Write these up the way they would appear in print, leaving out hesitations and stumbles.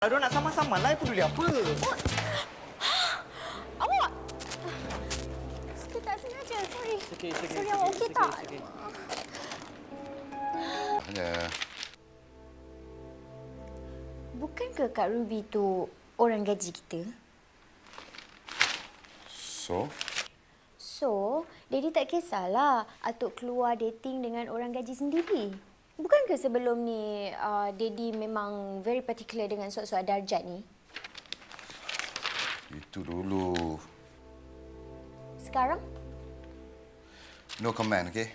Kalau nak sama-sama lah, peduli apa? Awak! Saya tak sengaja, sorry. Sorry, awak okey tak? Ya. Bukankah Kak Ruby tu orang gaji kita? So? So, Daddy tak kisahlah Atuk keluar dating dengan orang gaji sendiri. Bukankah sebelum ni Daddy memang very particular dengan soal-soal darjat ni? Itu dulu. Sekarang? No comment, okay?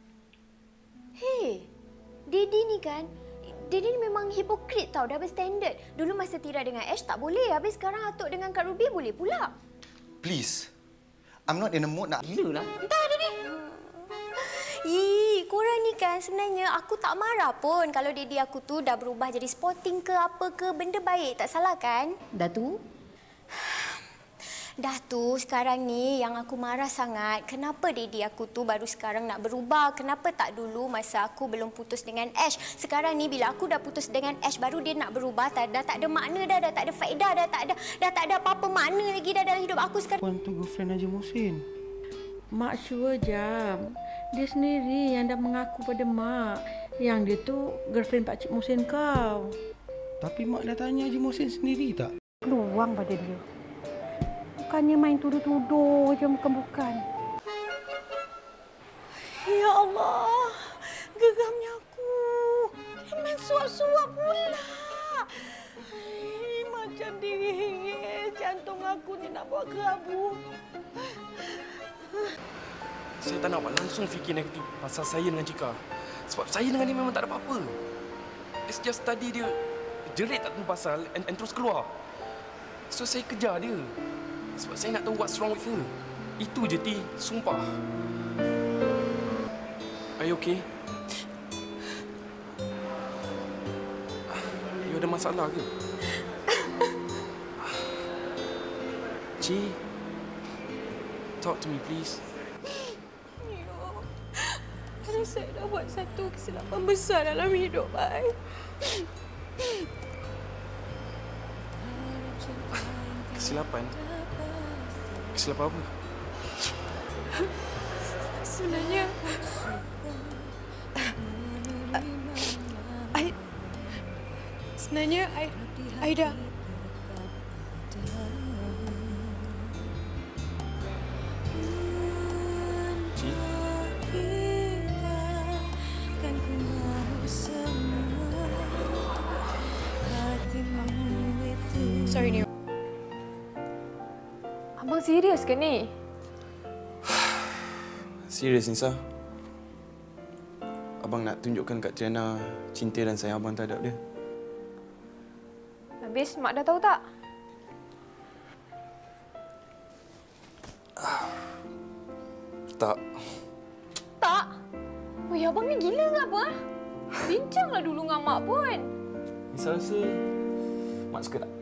Hey, Daddy ni kan, Daddy ni memang hipokrit tau, dah berstandard. Dulu masa Tira dengan Ash tak boleh, habis sekarang Atuk dengan Kak Ruby boleh pula. Please. I'm not in the mood nak... Gila lah. Entah Daddy. Korang ni kan sebenarnya aku tak marah pun kalau Daddy aku tu dah berubah jadi sporting ke apa ke, benda baik, tak salah kan? Dah tu? Dah tu, sekarang ni yang aku marah sangat, kenapa Daddy aku tu baru sekarang nak berubah? Kenapa tak dulu masa aku belum putus dengan Ash? Sekarang ni bila aku dah putus dengan Ash, baru dia nak berubah, dah tak ada makna dah tak ada faedah, dah tak ada apa-apa makna lagi dah dalam hidup aku sekarang. Puan tu girlfriend Haji Muhsin. Mak sure jam. Dia sendiri yang dah mengaku pada Mak yang dia tu girlfriend Pak Cik Muhsin kau. Tapi Mak dah tanya Haji Muhsin sendiri tak? Peluang pada dia. Bukannya main tuduh-tuduh je bukan-bukan. Ya Allah, geramnya aku. Main suap-suap pula. Macam dingin, jantung aku ni nak buat kerabu. Saya tak nak awak langsung fikir negatif pasal saya dengan Cika. Sebab saya dengan dia memang tak ada apa-apa. It's just tadi dia jerit tak tahu pasal and terus keluar. So saya kejar dia. Sebab saya nak tahu what's wrong with her. Itu je, Ti. Sumpah. Are you okay? You ada masalah ke? Ci, talk to me, please. Saya dah buat satu kesilapan besar dalam hidup saya. Kesilapan? Kesilapan apa? Sebenarnya Aida Ci? Sorry, Nio. Abang serius ke ni? Serius, Nisa. Abang nak tunjukkan kat Triana cinta dan sayang abang terhadap dia. Habis Mak dah tahu tak? Tak. Tak? Weh, abang ni gila ke apa? Bincanglah dulu dengan Mak pun. Nisa rasa Mak suka tak?